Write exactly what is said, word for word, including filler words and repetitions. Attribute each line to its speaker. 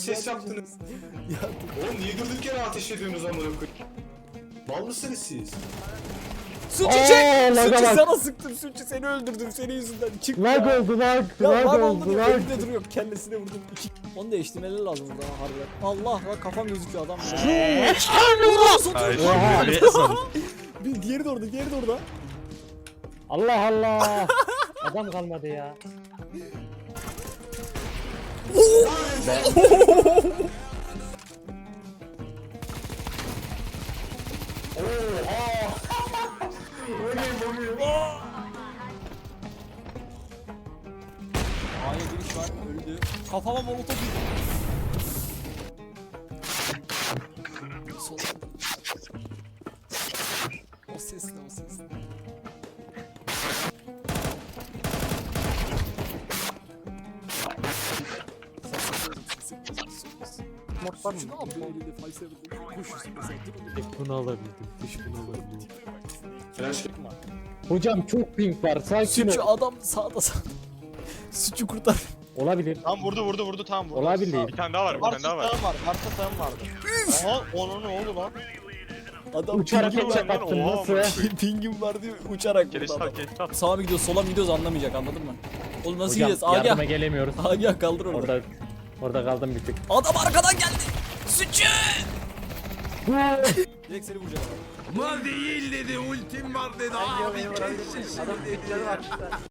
Speaker 1: ses yaptınız.
Speaker 2: Ya
Speaker 1: Oğlum niye durduk yere ateş ediyorsunuz amına koyayım? Mal mısınız siz?
Speaker 2: Suçu
Speaker 3: Aa,
Speaker 2: çek!
Speaker 3: laga
Speaker 2: Suçu
Speaker 3: bak.
Speaker 2: sana sıktım, Suçu seni öldürdüm senin yüzünden. Çık
Speaker 3: Lag
Speaker 2: ya.
Speaker 3: oldu lag.
Speaker 2: Ya
Speaker 3: Lag
Speaker 2: lan oldu
Speaker 3: oldu
Speaker 2: diyor,
Speaker 3: lag.
Speaker 2: önünde duruyor, kellesine vurdum. İki. Onu değiştirmeleri lazım burada harbiden. Allah lan kafam gözüküyor adam.
Speaker 3: Oha.
Speaker 2: Bir diğeri de orada, diğeri de orada.
Speaker 3: Allah Allah. Adam kalmadı ya.
Speaker 2: A'ya giriş var, öldü. Kafama molotof yedi. Sol. O ses ne, o ses ne?
Speaker 3: Mod var mı?
Speaker 2: Şunu al böyle de Faysal'da koşuyorsun mesela. Dur onu
Speaker 3: Tek bunu alabildim. Tek bunu alabildim.
Speaker 1: Flash
Speaker 3: Hocam çok ping var. Sakin
Speaker 2: Suçu
Speaker 3: ol.
Speaker 2: adam sağda sağda. Suçu kurtar.
Speaker 3: Olabilir.
Speaker 4: Tam vurdu vurdu vurdu tam vurdu.
Speaker 3: Olabilir.
Speaker 5: Bir tane daha var, bir
Speaker 4: Varsa
Speaker 5: tane daha var.
Speaker 4: sağım var. Varsa sağım vardı. Aha onun ne oldu lan?
Speaker 2: Adam
Speaker 3: Uçarak
Speaker 2: pingim
Speaker 3: headshot
Speaker 2: var.
Speaker 3: attın
Speaker 5: Oha,
Speaker 3: nasıl?
Speaker 5: amına
Speaker 2: Pingim var diye uçarak
Speaker 5: Geliş
Speaker 2: vurdu adam.
Speaker 5: tak, geliş tak.
Speaker 2: Sağa mı gidiyoruz, sola mı gidiyoruz anlamayacak, anladın mı? Oğlum nasıl
Speaker 3: Hocam
Speaker 2: gideceğiz?
Speaker 3: yardıma
Speaker 2: Agah.
Speaker 3: gelemiyoruz.
Speaker 2: Agah kaldır orada.
Speaker 3: Orada orada kaldım bir tık.
Speaker 2: Adam arkadan geldi. Suçu. Direkt seni vuracak.
Speaker 6: Mal değil dedi, ultim var dedi. Abi kesin dedi.